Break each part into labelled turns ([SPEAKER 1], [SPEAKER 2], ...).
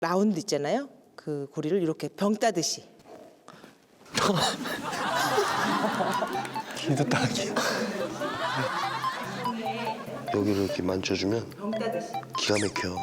[SPEAKER 1] 라운드 있잖아요. 그 고리를 이렇게 병 따듯이.
[SPEAKER 2] 기도 따기.
[SPEAKER 3] 여기를 이렇게 만져주면
[SPEAKER 1] 병 따듯이.
[SPEAKER 3] 기가 막혀.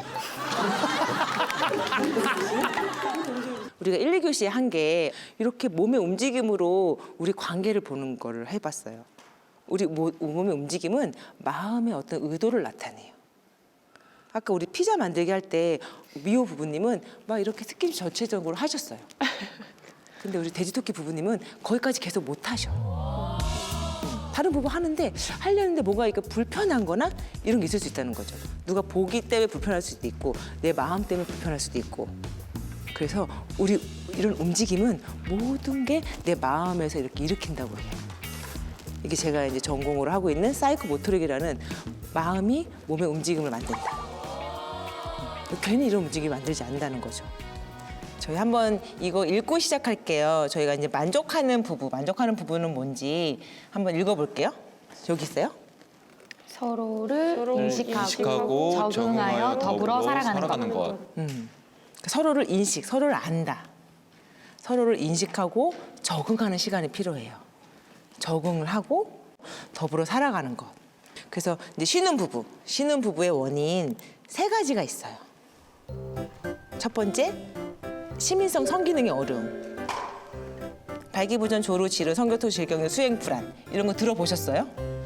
[SPEAKER 1] 우리가 1, 2교시에 한 게 이렇게 몸의 움직임으로 우리 관계를 보는 거를 해봤어요. 우리 몸의 움직임은 마음의 어떤 의도를 나타내요. 아까 우리 피자 만들기 할 때 미호 부부님은 막 이렇게 스킨십 전체적으로 하셨어요. 근데 우리 돼지토끼 부부님은 거기까지 계속 못 하셔. 다른 부부 하는데 하려는데 뭔가 이렇게 불편한 거나 이런 게 있을 수 있다는 거죠. 누가 보기 때문에 불편할 수도 있고 내 마음 때문에 불편할 수도 있고. 그래서 우리 이런 움직임은 모든 게 내 마음에서 이렇게 일으킨다고 해요. 이게 제가 이제 전공으로 하고 있는 사이코모토릭이라는 마음이 몸의 움직임을 만든다. 괜히 이런 움직임을 만들지 않는다는 거죠. 저희 한번 이거 읽고 시작할게요. 저희가 이제 만족하는 부부는 뭔지 한번 읽어볼게요. 여기 있어요.
[SPEAKER 4] 서로를 인식하고,
[SPEAKER 2] 인식하고
[SPEAKER 4] 적응하여 더불어 살아가는 것.
[SPEAKER 1] 서로를 서로를 안다. 서로를 인식하고 적응하는 시간이 필요해요. 적응을 하고 더불어 살아가는 것. 그래서 이제 쉬는 부부의 원인 3가지가 있어요. 첫 번째, 시민성 성기능의 어려움. 발기부전, 조루, 지루, 성교토 질병, 수행 불안 이런 거 들어보셨어요?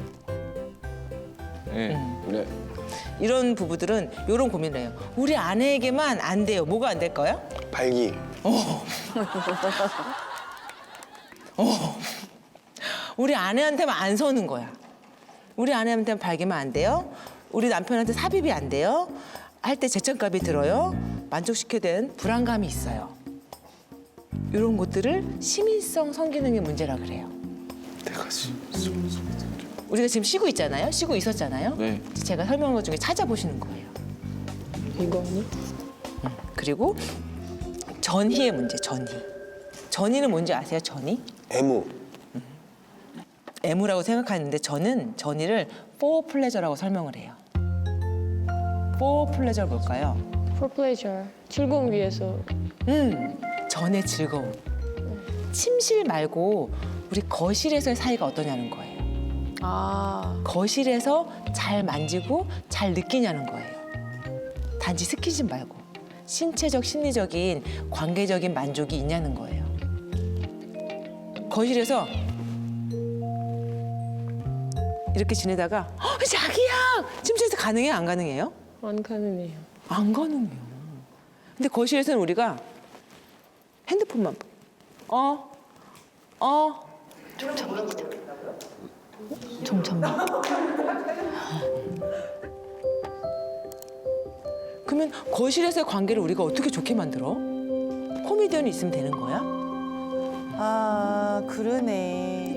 [SPEAKER 2] 네. 네.
[SPEAKER 1] 이런 부부들은 이런 고민을 해요. 우리 아내에게만 안 돼요. 뭐가 안 될까요?
[SPEAKER 3] 발기.
[SPEAKER 1] 우리 아내한테만 안 서는 거야. 우리 아내한테만 발기만 안 돼요. 우리 남편한테 삽입이 안 돼요. 할 때 재정값이 들어요. 만족시켜야 되는 불안감이 있어요. 이런 것들을 시민성 성기능의 문제라 그래요.
[SPEAKER 2] 내가
[SPEAKER 1] 우리가 지금 쉬고 있잖아요. 쉬고 있었잖아요.
[SPEAKER 2] 네.
[SPEAKER 1] 제가 설명한 것 중에 찾아보시는 거예요.
[SPEAKER 5] 이거는?
[SPEAKER 1] 그리고 전희의 문제, 전희. 전희는 뭔지 아세요, 전희?
[SPEAKER 3] 애무.
[SPEAKER 1] 애무라고 생각하는데 저는 전희를 for pleasure라고 설명을 해요. for pleasure 뭘까요?
[SPEAKER 5] For pleasure. 즐거움 위해서.
[SPEAKER 1] 전의 즐거움. 침실 말고 우리 거실에서의 사이가 어떠냐는 거예요.
[SPEAKER 5] 아.
[SPEAKER 1] 거실에서 잘 만지고 잘 느끼냐는 거예요. 단지 스킨십 말고 신체적, 심리적인, 관계적인 만족이 있냐는 거예요. 거실에서 이렇게 지내다가 자기야! 침실에서 가능해요? 안 가능해요?
[SPEAKER 5] 안 가능해요.
[SPEAKER 1] 안 가능해요. 근데 거실에서는 우리가 핸드폰만
[SPEAKER 4] 정답.
[SPEAKER 1] 그러면 거실에서의 관계를 우리가 어떻게 좋게 만들어? 코미디언이 있으면 되는 거야?
[SPEAKER 6] 아, 그러네.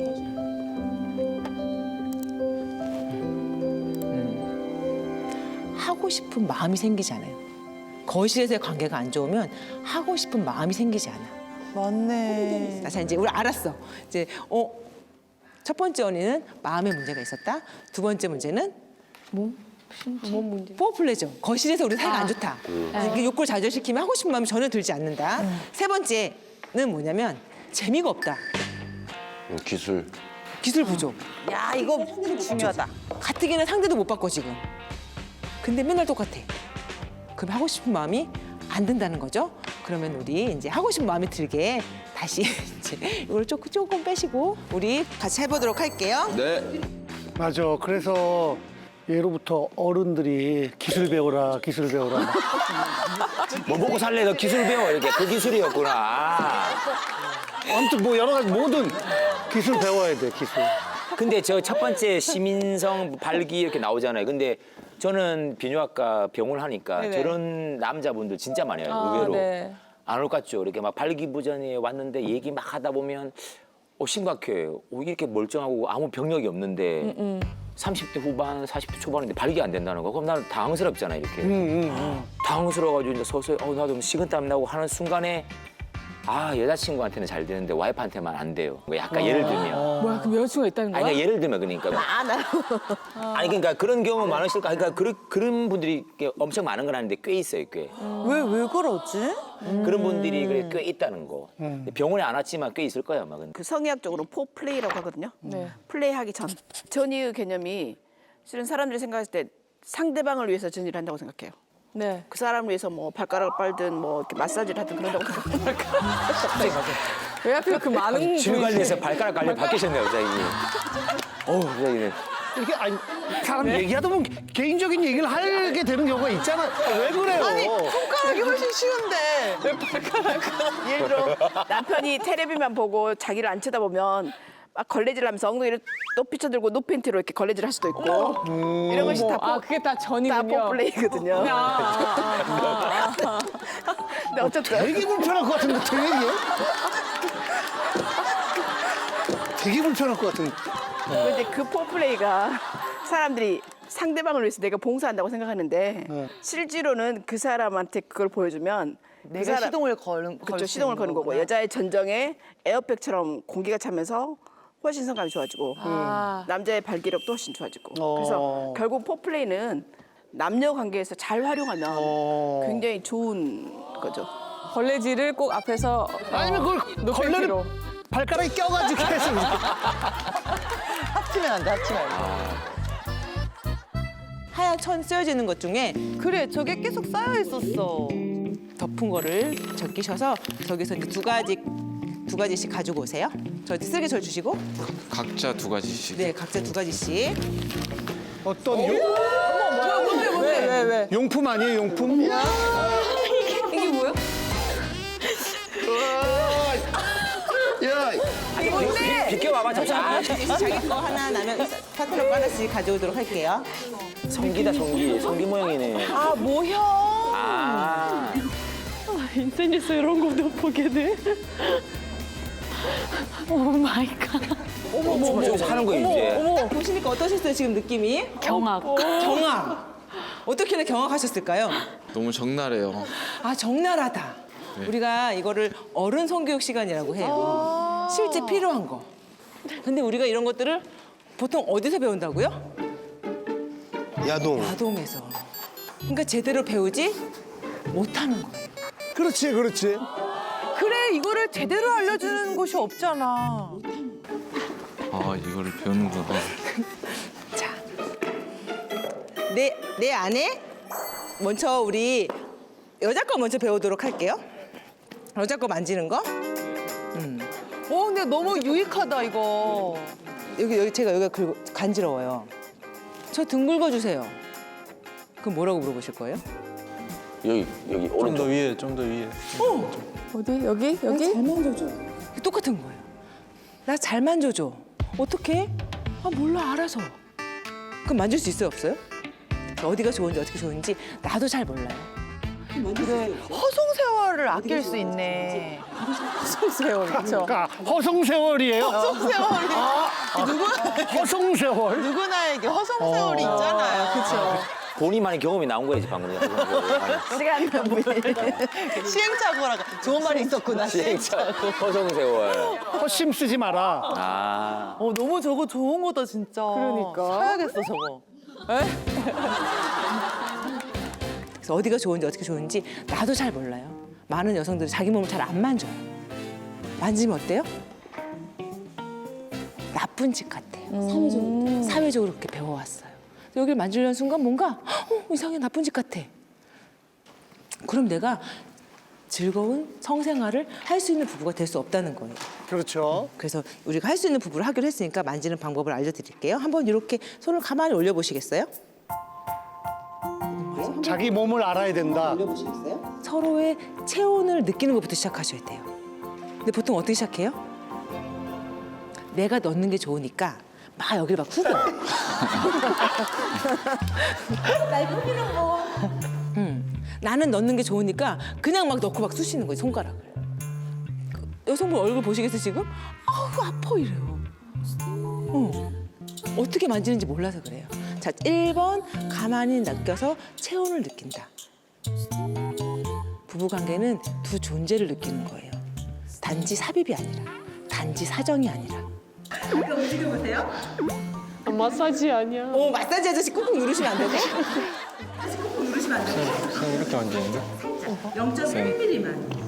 [SPEAKER 1] 하고 싶은 마음이 생기지 않아요. 거실에서의 관계가 안 좋으면 하고 싶은 마음이 생기지 않아.
[SPEAKER 6] 맞네.
[SPEAKER 1] 자, 이제 우리 알았어. 이제 첫 번째 원인은 마음의 문제가 있었다. 두 번째 문제는
[SPEAKER 5] 몸 문제.
[SPEAKER 1] 포플레죠. 거실에서 우리 사이가 안 좋다. 이게 욕구를 좌절시키면 하고 싶은 마음이 전혀 들지 않는다. 세 번째는 뭐냐면 재미가 없다.
[SPEAKER 3] 기술.
[SPEAKER 1] 기술 부족.
[SPEAKER 6] 야, 이거 중요하다.
[SPEAKER 1] 가뜩이나 상대도 못 바꿔 지금. 근데 맨날 똑같아. 그럼 하고 싶은 마음이 안 든다는 거죠. 그러면 우리 이제 하고 싶은 마음이 들게 다시 이제 이걸 조금 빼시고 우리 같이 해보도록 할게요.
[SPEAKER 2] 네.
[SPEAKER 7] 맞아. 그래서 예로부터 어른들이 기술 배워라, 기술 배워라.
[SPEAKER 8] 뭐 먹고 살래? 너 기술 배워. 이렇게 그 기술이었구나.
[SPEAKER 7] 아무튼 뭐 여러 가지 모든 기술 배워야 돼, 기술.
[SPEAKER 8] 근데 저 첫 번째 시민성 발기 이렇게 나오잖아요. 근데 저는 비뇨기과 병원을 하니까 저런 남자분들 진짜 많아요. 의외로.
[SPEAKER 5] 네.
[SPEAKER 8] 안 올 것 같죠. 이렇게 막 발기부전이 왔는데 얘기 막 하다 보면 심각해. 이렇게 멀쩡하고 아무 병력이 없는데 30대 후반, 40대 초반인데 발기 안 된다는 거. 그럼 나는 당황스럽잖아요, 이렇게. 당황스러워가지고 이제 서서히 나도 식은땀 나고 하는 순간에 여자친구한테는 잘 되는데 와이프한테만 안 돼요. 뭐 약간 예를 들면.
[SPEAKER 5] 뭐야 그럼 여자친구가 있다는 거야?
[SPEAKER 8] 아니 그러니까 예를 들면 그러니까. 아니 그러니까 그런 경우 많으실까? 그러니까 그런 분들이 엄청 많은 건 아닌데 꽤 있어요, 꽤.
[SPEAKER 6] 왜 그러지?
[SPEAKER 8] 그런 분들이 그래 꽤 있다는 거. 병원에 안 왔지만 꽤 있을 거예요, 아마.
[SPEAKER 9] 그 성의학적으로 포플레이라고 하거든요.
[SPEAKER 5] 네.
[SPEAKER 9] 플레이하기 전이의 개념이 실은 사람들이 생각했을 때 상대방을 위해서 전이를 한다고 생각해요.
[SPEAKER 5] 네.
[SPEAKER 9] 그 사람을 위해서 뭐 발가락을 빨든 뭐 이렇게 마사지를 하든 그런다고 생각해요.
[SPEAKER 5] 왜 하필 그 많은
[SPEAKER 8] 줄 관리해서 발가락 관리 바뀌셨네요, 갑자기. 갑자기.
[SPEAKER 7] 이게 아니 사람 얘기하다 보면 개인적인 얘기를 하게 되는 경우가 있잖아. 왜 그래요?
[SPEAKER 6] 아니 손가락이 훨씬 쉬운데.
[SPEAKER 9] 예를 들어 남편이 텔레비만 보고 자기를 안 쳐다보면 막 걸레질하면서 엉덩이를 높이 쳐들고 노팬티로 이렇게 걸레질 할 수도 있고 이런 것이 다
[SPEAKER 5] 그게 다
[SPEAKER 9] 다
[SPEAKER 5] 전이군요.
[SPEAKER 9] 포플레이거든요. 근데 어쨌든
[SPEAKER 7] 되게 불편할 것 같은데 되게 불편할 것 같은데.
[SPEAKER 9] 근데 그 포플레이가 사람들이 상대방을 위해서 내가 봉사한다고 생각하는데 실제로는 그 사람한테 그걸 보여주면
[SPEAKER 6] 내가 시동을 거는
[SPEAKER 9] 그렇죠. 시동을 거는 거고 여자의 전정에 에어백처럼 공기가 차면서 훨씬 성감이 좋아지고 남자의 발기력도 훨씬 좋아지고 그래서 결국 포플레이는 남녀 관계에서 잘 활용하면 굉장히 좋은 거죠.
[SPEAKER 5] 걸레질을 꼭 앞에서
[SPEAKER 7] 아니면 그걸 걸레를 발가락에 껴가지고 해서
[SPEAKER 6] 합치면 안 돼, 합치면 안 돼.
[SPEAKER 1] 하얀 천 쓰여지는 것 중에
[SPEAKER 6] 그래, 저게 계속 쌓여 있었어.
[SPEAKER 1] 덮은 거를 적기셔서 저기서 이제 두 가지씩 가지고 오세요. 저 쓰레기철 주시고.
[SPEAKER 2] 각자 2가지씩.
[SPEAKER 1] 네, 각자 2가지씩.
[SPEAKER 7] 어떤
[SPEAKER 6] 왜?
[SPEAKER 7] 용품 아니에요, 용품?
[SPEAKER 5] 이게 뭐야?
[SPEAKER 7] 야,
[SPEAKER 8] 비켜봐봐, 잠시만.
[SPEAKER 1] 자기 거 하나 나면 파트너 하나씩 가져오도록 할게요.
[SPEAKER 8] 성기다, 성기 모양이네.
[SPEAKER 6] 아, 모형.
[SPEAKER 8] 아.
[SPEAKER 5] 인터넷에서 이런 것도 보게 돼. 오 마이 갓.
[SPEAKER 8] 저기서 하는 거예요, 이제.
[SPEAKER 1] 딱 보시니까 어떠셨어요, 지금 느낌이?
[SPEAKER 4] 경악.
[SPEAKER 1] 경악. 어떻게나 경악하셨을까요?
[SPEAKER 2] 너무 적나라해요.
[SPEAKER 1] 아, 적나라하다. 우리가 이거를 어른 성교육 시간이라고 해요. 실제 필요한 거. 근데 우리가 이런 것들을 보통 어디서 배운다고요?
[SPEAKER 3] 야동.
[SPEAKER 1] 아동에서. 그러니까 제대로 배우지 못하는 거예요.
[SPEAKER 7] 그렇지.
[SPEAKER 6] 그래, 이거를 제대로 알려주는 곳이 없잖아.
[SPEAKER 2] 이거를 배우는구나.
[SPEAKER 1] 자, 내 안에 먼저 우리 여자 거 먼저 배우도록 할게요. 여자 거 만지는 거.
[SPEAKER 6] 근데 너무 유익하다, 이거.
[SPEAKER 1] 여기 제가 여기가 간지러워요. 저 등 긁어주세요. 그럼 뭐라고 물어보실 거예요?
[SPEAKER 8] 여기, 오른쪽.
[SPEAKER 2] 좀 더 위에.
[SPEAKER 5] 어디? 여기?
[SPEAKER 1] 잘 만져줘. 똑같은 거예요. 나 잘 만져줘. 어떻게? 몰라, 알아서. 그럼 만질 수 있어요, 없어요? 어디가 좋은지 어떻게 좋은지 나도 잘 몰라요.
[SPEAKER 6] 그래, 허송세월을 아낄 수 있네.
[SPEAKER 5] 세월 그렇죠.
[SPEAKER 7] 그러니까 허송세월이에요.
[SPEAKER 6] 허송세월이.
[SPEAKER 7] 허송세월.
[SPEAKER 6] 누구나에게 허송세월이 있잖아요. 그쵸?
[SPEAKER 8] 본인만의 경험이 나온 거야지, 방금.
[SPEAKER 9] 시간 낭비.
[SPEAKER 6] 시행착오라고. 좋은 말이 있었구나.
[SPEAKER 8] 시행착오, 허송세월.
[SPEAKER 7] 허심 쓰지 마라.
[SPEAKER 8] 아.
[SPEAKER 6] 너무 저거 좋은 거다, 진짜.
[SPEAKER 5] 그러니까.
[SPEAKER 6] 사야겠어, 저거.
[SPEAKER 1] 그래서 어디가 좋은지 어떻게 좋은지 나도 잘 몰라요. 많은 여성들은 자기 몸을 잘 안 만져요. 만지면 어때요? 나쁜 짓 같아요. 사회적으로 그렇게 배워왔어요. 여기를 만지려는 순간 뭔가 이상해, 나쁜 짓 같아. 그럼 내가 즐거운 성생활을 할 수 있는 부부가 될 수 없다는 거예요.
[SPEAKER 7] 그렇죠.
[SPEAKER 1] 그래서 우리가 할 수 있는 부부를 하기로 했으니까 만지는 방법을 알려드릴게요. 한번 이렇게 손을 가만히 올려보시겠어요?
[SPEAKER 7] 자기 몸을 알아야 된다.
[SPEAKER 1] 올려보시겠어요? 서로의 체온을 느끼는 것부터 시작하셔야 돼요. 근데 보통 어떻게 시작해요? 내가 넣는 게 좋으니까 막 여기를 막 후벼. 날 후비는 거. 나는 넣는 게 좋으니까 그냥 막 넣고 막 쑤시는 거예요, 손가락을. 여성분 얼굴 보시겠어요, 지금? 아우, 아파 이래요. 어떻게 만지는지 몰라서 그래요. 자, 1번 가만히 낚여서 체온을 느낀다. 부부관계는 두 존재를 느끼는 거예요. 단지 삽입이 아니라, 단지 사정이 아니라.
[SPEAKER 5] 마사지 아니야.
[SPEAKER 1] 마사지 아저씨 꾹꾹 누르시면 안 되고. 꾹꾹 누르시면 안 되고.
[SPEAKER 2] 그냥 이렇게 만지는데?
[SPEAKER 1] 0.1mm만.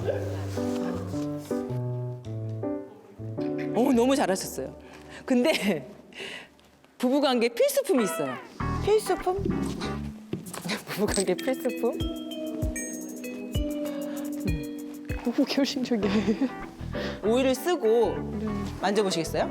[SPEAKER 1] 너무 잘하셨어요. 근데 부부관계 필수품이 있어요. 필수품? 부부관계 필수품?
[SPEAKER 5] 너무 결심적이에요.
[SPEAKER 1] 오일을 쓰고 만져보시겠어요?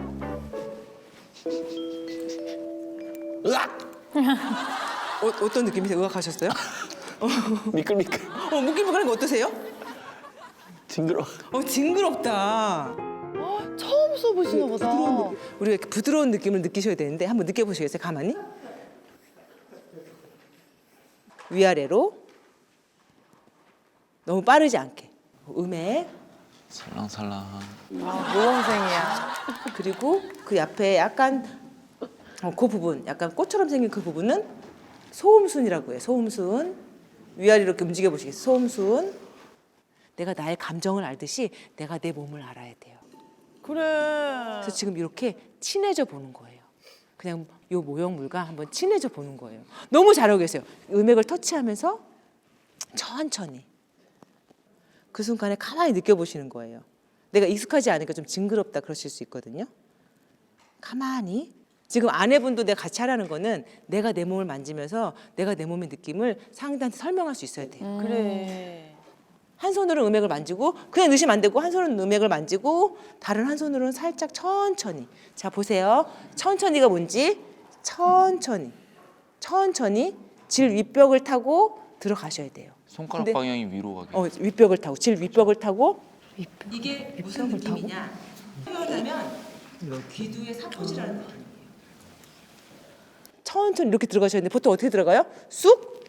[SPEAKER 7] 으악!
[SPEAKER 1] 어떤 느낌이세요? 의학하셨어요?
[SPEAKER 7] 미끌미끌.
[SPEAKER 1] 무기무기한 거 어떠세요?
[SPEAKER 7] 징그러.
[SPEAKER 1] 징그럽다.
[SPEAKER 6] 처음 써보시나 보다.
[SPEAKER 1] 우리가 이렇게 부드러운 느낌을 느끼셔야 되는데 한번 느껴보시겠어요? 가만히. 위아래로. 너무 빠르지 않게. 음액.
[SPEAKER 2] 살랑살랑.
[SPEAKER 6] 모범생이야.
[SPEAKER 1] 그리고 그 옆에 약간 그 부분, 약간 꽃처럼 생긴 그 부분은 소음순이라고 해요. 소음순. 위아래로 이렇게 움직여 보시겠어요? 소음순. 내가 나의 감정을 알듯이 내가 내 몸을 알아야 돼요.
[SPEAKER 6] 그래.
[SPEAKER 1] 그래서 지금 이렇게 친해져 보는 거예요. 그냥 요 모형물과 한번 친해져 보는 거예요. 너무 잘하고 계세요. 음액을 터치하면서 천천히. 그 순간에 가만히 느껴보시는 거예요. 내가 익숙하지 않으니까 좀 징그럽다 그러실 수 있거든요. 가만히. 지금 아내분도 내가 같이 하라는 거는 내가 내 몸을 만지면서 내가 내 몸의 느낌을 상대한테 설명할 수 있어야 돼요.
[SPEAKER 6] 그래.
[SPEAKER 1] 한 손으로는 음액을 만지고 그냥 넣으시면 안 되고 한 손으로는 음액을 만지고 다른 한 손으로는 살짝 천천히. 자 보세요. 천천히가 뭔지 천천히. 천천히 질 윗벽을 타고 들어가셔야 돼요.
[SPEAKER 2] 손가락
[SPEAKER 1] 근데-
[SPEAKER 2] 방향이 위로 가게.
[SPEAKER 1] 윗벽을 타고 질 윗벽을 타고 이게 무슨 느낌이냐 표현하면 귀두의 사포질하는 느낌이에요. 천천히 이렇게 들어가셔야 되는데 보통 어떻게 들어가요? 쑥?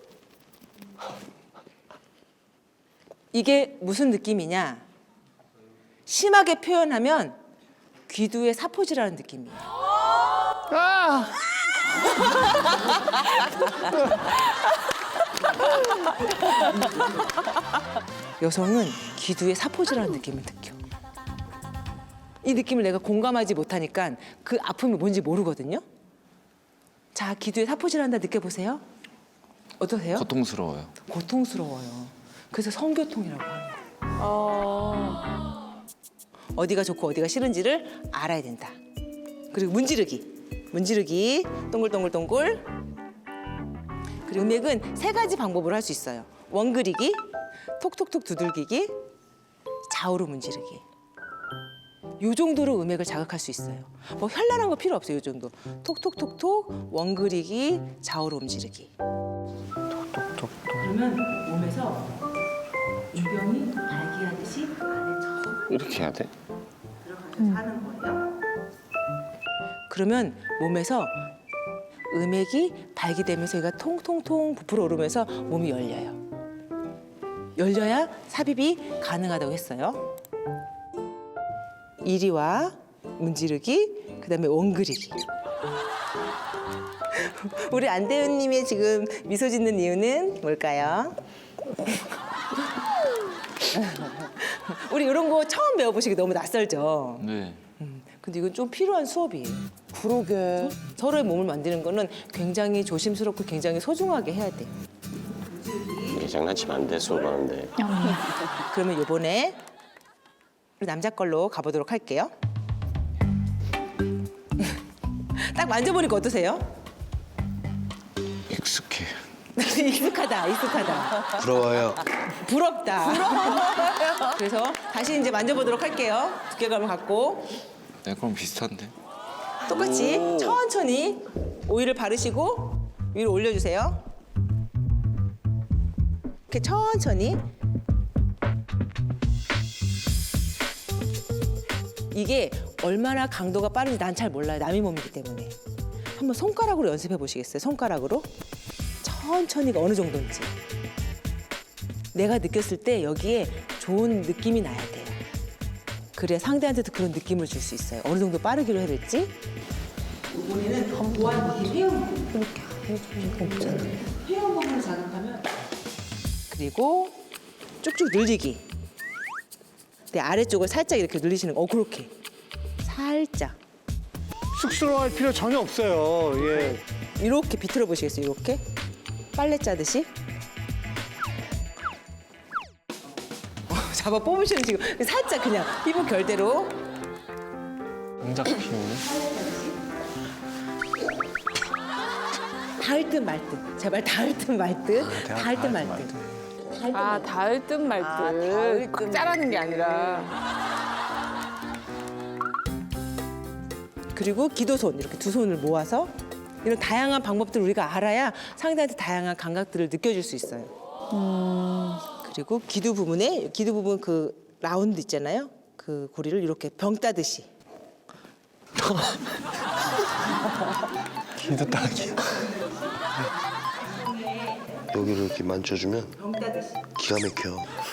[SPEAKER 1] 이게 무슨 느낌이냐 심하게 표현하면 귀두의 사포질하는 느낌이에요.
[SPEAKER 7] 아!
[SPEAKER 1] 여성은 귀두의 사포질하는 느낌을 느껴. 이 느낌을 내가 공감하지 못하니까 그 아픔이 뭔지 모르거든요. 자, 귀두의 사포질한다 느껴보세요. 어떠세요?
[SPEAKER 2] 고통스러워요.
[SPEAKER 1] 고통스러워요. 그래서 성교통이라고 하는 거예요. 어디가 좋고 어디가 싫은지를 알아야 된다. 그리고 문지르기, 동글동글동글. 그리고 음액은 3가지 방법으로 할 수 있어요. 원그리기, 톡톡톡 두들기기, 좌우로 문지르기. 요 정도로 음액을 자극할 수 있어요. 뭐 현란한 거 필요 없어요. 요 정도. 톡톡톡톡, 원그리기, 좌우로 움지르기. 톡톡톡. 그러면 몸에서 유병이 발기하듯이 안에 저
[SPEAKER 3] 이렇게 해야 돼?
[SPEAKER 1] 들어가서 하는 거예요. 그러면 몸에서 음액이 발기되면서 얘가 통통통 부풀어 오르면서 몸이 열려요. 열려야 삽입이 가능하다고 했어요. 이리와 문지르기, 그다음에 원그리기. 우리 안대훈님의 지금 미소 짓는 이유는 뭘까요? 우리 이런 거 처음 배워보시기 너무 낯설죠?
[SPEAKER 2] 네.
[SPEAKER 1] 근데 이건 좀 필요한 수업이에요.
[SPEAKER 6] 그러게.
[SPEAKER 1] 서로의 몸을 만드는 거는 굉장히 조심스럽고 굉장히 소중하게 해야 돼요.
[SPEAKER 3] 이게 장난치면 안 돼, 수업하는데.
[SPEAKER 1] 그러면 이번에 우리 남자 걸로 가보도록 할게요. 딱 만져보니까 어떠세요?
[SPEAKER 2] 익숙해.
[SPEAKER 1] 익숙하다.
[SPEAKER 3] 부러워요.
[SPEAKER 1] 부럽다. 그래서 다시 이제 만져보도록 할게요. 두께감을 갖고
[SPEAKER 2] 네, 그럼 비슷한데.
[SPEAKER 1] 똑같이 천천히 오일을 바르시고 위로 올려주세요. 이렇게 천천히. 이게 얼마나 강도가 빠른지 난 잘 몰라요. 남의 몸이기 때문에. 한번 손가락으로 연습해 보시겠어요? 손가락으로. 천천히가 어느 정도인지. 내가 느꼈을 때 여기에 좋은 느낌이 나야 돼요. 그래야 상대한테도 그런 느낌을 줄 수 있어요. 어느 정도 빠르기로 해야 될지. 이번에는 보안 이게 회원부. 이렇게 해주는 거 없잖아. 회원부를 자극하면. 그리고 쭉쭉 늘리기. 내 아래쪽을 살짝 이렇게 늘리시는 거. 그렇게 살짝
[SPEAKER 7] 쑥스러워할 필요 전혀 없어요. 예.
[SPEAKER 1] 이렇게 비틀어 보시겠어요? 이렇게 빨래 짜듯이. 잡아 뽑으시는 지금 살짝 그냥 피부 결대로.
[SPEAKER 2] 동작 피우네.
[SPEAKER 1] 닿을 듯 말 듯. 제발 닿을 듯 말 듯. 닿을 듯 말 듯.
[SPEAKER 5] 아, 닿을 듯 말 듯. 꽉 짜라는 게 아니라.
[SPEAKER 1] 그리고 기도손 이렇게 두 손을 모아서 이런 다양한 방법들을 우리가 알아야 상대한테 다양한 감각들을 느껴줄 수 있어요. 그리고 기두 부분 그 라운드 있잖아요. 그 고리를 이렇게 병 따듯이.
[SPEAKER 2] 기도 따기.
[SPEAKER 10] 여기를 이렇게 만져주면 기가 막혀.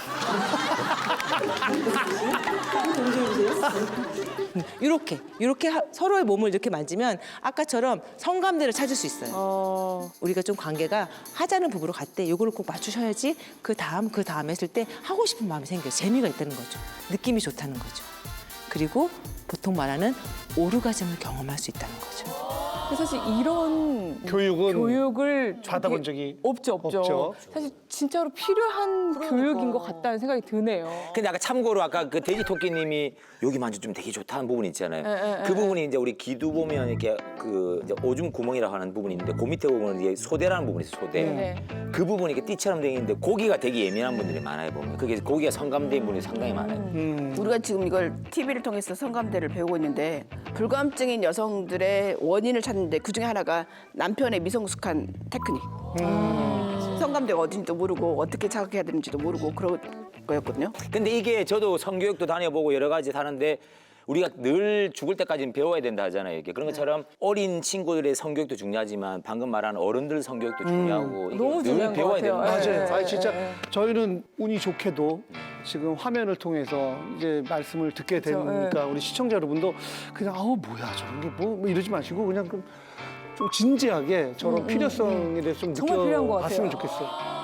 [SPEAKER 1] 이렇게 서로의 몸을 이렇게 만지면 아까처럼 성감대를 찾을 수 있어요. 우리가 좀 관계가 하자는 부부로 갈 때 이거를 꼭 맞추셔야지 그 다음 했을 때 하고 싶은 마음이 생겨요. 재미가 있다는 거죠. 느낌이 좋다는 거죠. 그리고 보통 말하는 오르가즘을 경험할 수 있다는 거죠.
[SPEAKER 5] 사실 이런 교육을
[SPEAKER 7] 받아본 적이
[SPEAKER 5] 없죠.
[SPEAKER 7] 없죠.
[SPEAKER 5] 사실 진짜로 필요한 교육인 것 같다는 생각이 드네요.
[SPEAKER 8] 근데 아까 참고로 아까 그 돼지 토끼님이 여기 만져주면 되게 좋다는 부분이 있잖아요. 그 부분이 이제 우리 기두 보면 이렇게 그 이제 오줌 구멍이라고 하는 부분이 있는데 그 밑에 보면 이제 소대라는 부분이 있어요. 소대.
[SPEAKER 5] 네.
[SPEAKER 8] 그 부분이 이렇게 띠처럼 되어 있는데 고기가 되게 예민한 분들이 많아요 보면. 그게 고기가 성감대인 분이 상당히 많아요.
[SPEAKER 9] 우리가 지금 이걸 TV를 통해서 성감대를 배우고 있는데 불감증인 여성들의 원인을 찾는데 그중에 하나가 남편의 미성숙한 테크닉. 성감대가 어딘지도 모르고 어떻게 자극해야 되는지도 모르고 그런 거였거든요.
[SPEAKER 8] 근데 이게 저도 성교육도 다녀보고 여러 가지 하는데 우리가 늘 죽을 때까지는 배워야 된다 하잖아요. 이게 그런 것처럼 어린 친구들의 성교육도 중요하지만 방금 말한 어른들 성교육도 중요하고 이게
[SPEAKER 5] 너무
[SPEAKER 8] 늘
[SPEAKER 5] 중요한 것
[SPEAKER 8] 배워야
[SPEAKER 5] 같아요.
[SPEAKER 8] 되는 거예요.
[SPEAKER 7] 맞아요. 아니 진짜 저희는 운이 좋게도 지금 화면을 통해서 이제 말씀을 듣게 되니까 우리 시청자 여러분도 그냥 뭐야 저런 게 뭐 이러지 마시고 그냥 좀 진지하게 저런 필요성에 대해서 좀
[SPEAKER 5] 정말 필요한 것
[SPEAKER 7] 느껴봤으면
[SPEAKER 5] 같아요.
[SPEAKER 7] 좋겠어요.